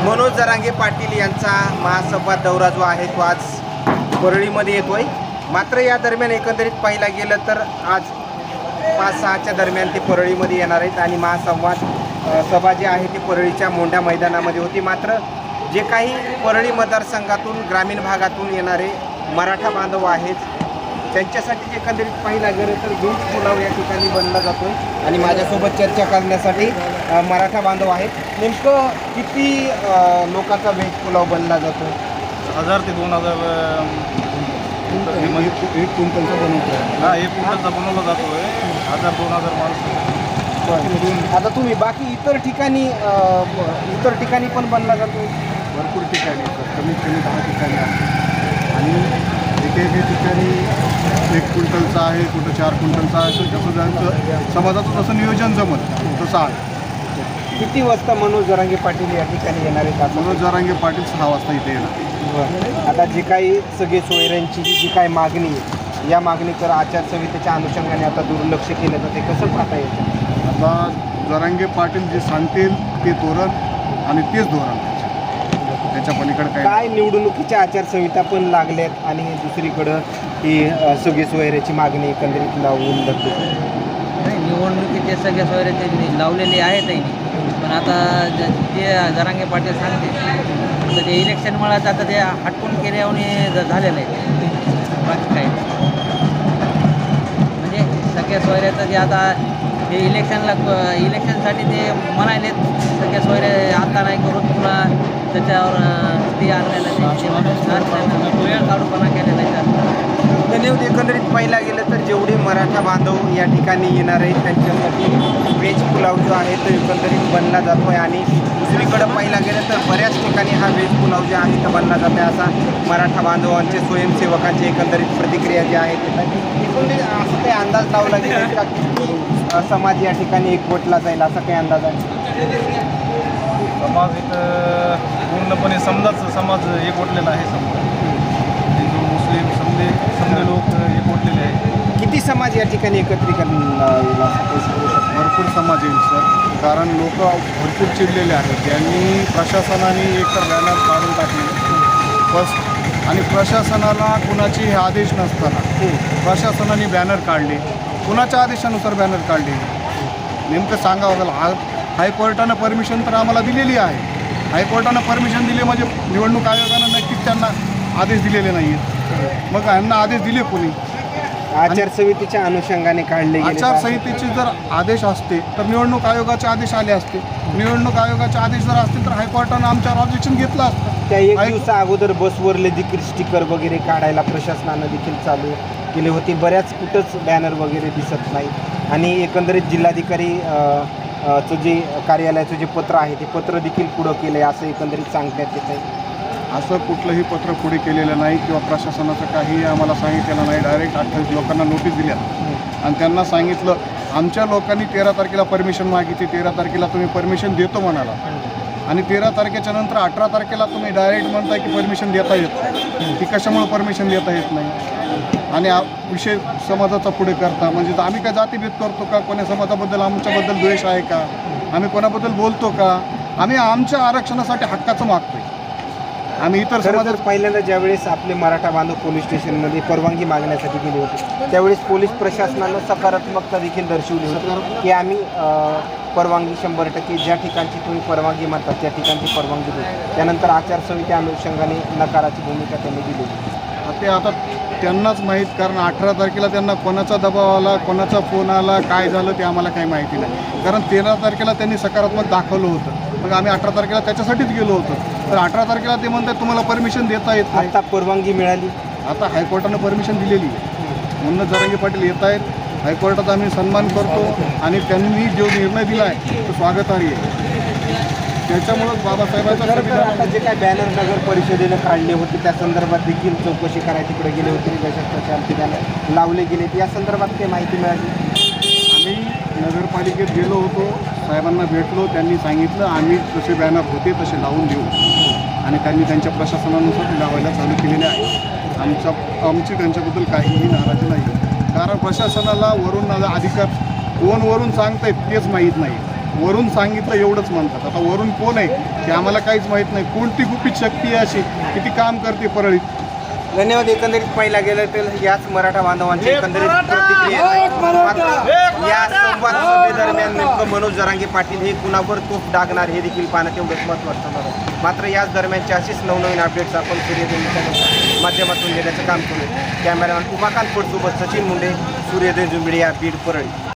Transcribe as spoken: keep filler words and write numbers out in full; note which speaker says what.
Speaker 1: मनोज जरांगे पाटील यांचा महासंवाद दौरा जो आहे तो आज परळीमध्ये येतोय। मात्र या दरम्यान एकंदरीत पाहिला गेलं तर आज पाच सहाच्या दरम्यान ते परळीमध्ये येणार आहेत आणि महासंवाद सभा जी आहे ती परळीच्या मोंढा मैदानामध्ये होती। मात्र जे काही परळी मतदारसंघातून ग्रामीण भागातून येणारे मराठा बांधव आहेत त्यांच्यासाठी एकंदरीत पाहिला गेलं तर व्हेज पुलाव या ठिकाणी बनला जातोय आणि माझ्यासोबत चर्चा करण्यासाठी मराठा बांधव आहेत। नेमकं किती लोकांचा व्हेज पुलाव बनला जातो?
Speaker 2: हजार ते दोन हजार
Speaker 1: एक क्विंटलचा बनवतो
Speaker 2: हा एक क्विंटलचा बनवला जातो आहे। हजार दोन हजार माणसं।
Speaker 1: आता तुम्ही बाकी इतर ठिकाणी इतर ठिकाणी पण बनला जातो?
Speaker 2: भरपूर ठिकाणी कमीत कमी दहा ठिकाणी आहे आणि एक एक ठिकाणी एक क्विंटलचा आहे, कुठं चार क्विंटलचा आहे। जसं त्यांचं समाजाचं जसं नियोजन जमत तसं आहे।
Speaker 1: किती वाजता मनोज जरांगे पाटील या ठिकाणी येणार आहेत?
Speaker 2: मनोज जरांगे पाटील सहा वाजता इथे येणार।
Speaker 1: आता जी काही सगळे सोयऱ्यांची जी जी काही मागणी आहे या मागणीकर आचारसंहितेच्या अनुषंगाने आता दुर्लक्ष केलं जाते, कसं पाहता येतं?
Speaker 2: आता जरांगे पाटील जे सांगतील ते धोरण आणि तेच धोरण, त्याच्या पलीकडे काय
Speaker 1: काय निवडणुकीच्या आचारसंहिता पण लागल्यात आणि दुसरीकडं ही सगळी सोयऱ्याची मागणी एकंदरीत लावून धरली।
Speaker 3: नाही, निवडणुकीचे सगळे सोयरे त्यांनी लावलेले आहेत त्यांनी, पण आता ज- जे जरांगे पाटील सांगते तर ते इलेक्शनमुळे आता ते हटकून केल्याने झालेलं आहे। बाकी काय म्हणजे सगळ्या सोयऱ्याचं जे आता ते इलेक्शनला इलेक्शनसाठी ते म्हणालेत सगळ्या सोयरे आता नाही करून पुन्हा त्याच्यावर ते आणलेलं ते वेळ काढूपणा केलेला आहे।
Speaker 1: धन्यवाद। एकंदरीत पाहिला गेलं तर जेवढे मराठा बांधव या ठिकाणी येणार आहेत त्यांच्यासाठी व्हेज पुलाव जो आहे तो एकंदरीत बनला जातो आहे आणि दुसरीकडं पाहिला गेलं तर बऱ्याच ठिकाणी हा व्हेज पुलाव जो आहे तो बनला जातो आहे असा मराठा बांधवांचे स्वयंसेवकांची एकंदरीत प्रतिक्रिया जी आहे एकंदरीत असं काही अंदाज लावला गेला का किती समाज या ठिकाणी एकवटला जाईल असा काही अंदाज आहे?
Speaker 2: समाज इथं पूर्णपणे समजाच समाज एकवटलेला आहे। समजा हिंदू मुस्लिम समजे समजे लोक एकवटलेले आहेत।
Speaker 1: किती समाज या ठिकाणी एकत्रीकरण येईल असं काही सांगू शकता?
Speaker 2: भरपूर समाज येईल सर, कारण लोक भरपूर चिडलेले आहेत। त्यांनी प्रशासनाने एकतर बॅनर काढून टाकले बस आणि प्रशासनाला कुणाचे हे आदेश नसताना प्रशासनाने बॅनर काढले, कुणाच्या आदेशानुसार बॅनर काढले नेमकं सांगावं लागेल। हा हायकोर्टानं परमिशन तर आम्हाला दिलेली आहे, हायकोर्टानं परमिशन दिली म्हणजे निवडणूक आयोगानं नक्कीच त्यांना आदेश दिलेले नाही आहेत। मग यांना आदेश दिले कोणी?
Speaker 1: आचारसंहितेच्या अनुषंगाने काढले गेले
Speaker 2: आचारसंहितेचे जर आदेश असते तर निवडणूक आयोगाचे आदेश आले असते, निवडणूक आयोगाचे आदेश जर असते तर हायकोर्टानं आमच्यावर ऑब्जेक्शन घेतलं असतं।
Speaker 1: त्या एक दिवसा अगोदर बसवरले देखील स्टिकर वगैरे काढायला प्रशासनानं देखील चालू केले होते, बऱ्याच कुठंच बॅनर वगैरे दिसत नाही आणि एकंदरीत जिल्हाधिकारी चं जे कार्यालयाचं जे पत्र आहे ते पत्र देखील पुढं केलं आहे असं एकंदरीत सांगण्यात येत आहे।
Speaker 2: असं कुठलंही पत्र पुढे केलेलं नाही किंवा प्रशासनाचं काही आम्हाला सांगितलेलं नाही। डायरेक्ट अठ्ठावीस लोकांना नोटीस दिल्या आणि त्यांना सांगितलं आमच्या लोकांनी तेरा तारखेला परमिशन मागितली, तेरा तारखेला तुम्ही परमिशन देतो म्हणाला आणि तेरा तारखेच्या नंतर अठरा तारखेला तुम्ही डायरेक्ट म्हणताय की परमिशन देता येत नाही। ती कशामुळे परमिशन देता येत नाही आणि विषय समाजाचा पुढे करता म्हणजे आम्ही काय जातीभेद करतो का? कोण्या समाजाबद्दल आमच्याबद्दल द्वेष आहे का? आम्ही कोणाबद्दल बोलतो का? आम्ही आमच्या आरक्षणासाठी हक्काचं मागतोय। आम्ही इतर समाजात
Speaker 1: पहिल्यांदा ज्यावेळेस आपले मराठा बांधव पोलीस स्टेशनमध्ये परवानगी मागण्यासाठी गेले होते त्यावेळेस पोलीस प्रशासनानं सकारात्मकता देखील दर्शवली होती की आम्ही परवानगी शंभर टक्के ज्या ठिकाणची तुम्ही परवानगी म्हणतात त्या ठिकाणची परवानगी देऊ। त्यानंतर आचारसंहिते अनुषंगाने नकाराची भूमिका त्यांनी दिली।
Speaker 2: ते आता त्यांनाच माहीत, कारण अठरा तारखेला त्यांना कोणाचा दबाव आला, कोणाचा फोन आला, काय झालं ते आम्हाला काही माहिती नाही। कारण तेरा तारखेला त्यांनी सकारात्मक दाखवलं होतं, मग आम्ही अठरा तारखेला त्याच्यासाठीच गेलो होतो। तर अठरा तारखेला ते म्हणतात तुम्हाला परमिशन देता येत नाही।
Speaker 1: आता परवानगी मिळाली,
Speaker 2: आता हायकोर्टानं परमिशन दिलेली आहे। मनोज जरांगे पाटील येत आहेत, हायकोर्टाचा आम्ही सन्मान करतो आणि त्यांनी जो निर्णय दिला आहे तो स्वागतार्ह आहे। त्याच्यामुळं बाबासाहेबांचा
Speaker 1: आता जे काय बॅनर नगर परिषदेनं काढले होते त्या संदर्भात देखील चौकशी करायला तिकडे गेले होते, दशक बॅनर लावले गेले या संदर्भात काही माहिती मिळाली?
Speaker 2: आम्ही नगरपालिकेत गेलो होतो, साहेबांना भेटलो, त्यांनी सांगितलं आम्ही जसे बॅनर होते तसे लावून देऊ आणि त्यांनी त्यांच्या प्रशासनानुसार ते लावायला चालू केलेले आहे। आमच्या आमची त्यांच्याबद्दल काहीही नाराजी नाही, कारण प्रशासनाला वरून अधिकार कोण वरून सांगतायत तेच माहीत नाही। वरून सांगितलं एवढंच म्हणतात. आता वरून कोण आहे की आम्हाला काहीच माहीत नाही. कोणती गुपित शक्ती आहे अशी किती काम करते परळीत.
Speaker 1: धन्यवाद. एकंदरीत पाहिला गेलं तर याच मराठा बांधवांची एकंदरीत प्रतिक्रिया आहे. मात्र या संवाद सभेदरम्यान नेमकं मनोज जरांगे पाटील हे कुणावर तोफ डागणार हे देखील पाहणं तेवढंच महत्त्वाचं होणार आहे. मात्र याच दरम्यानचे असेच नवनवीन अपडेट्स आपण सूर्यदेवीच्या माध्यमातून देण्याचं काम करू. कॅमेरामॅन उमाकांत पडसोबत सचिन मुंडे, सूर्यदेव जुंबिडिया, बीड, परळी.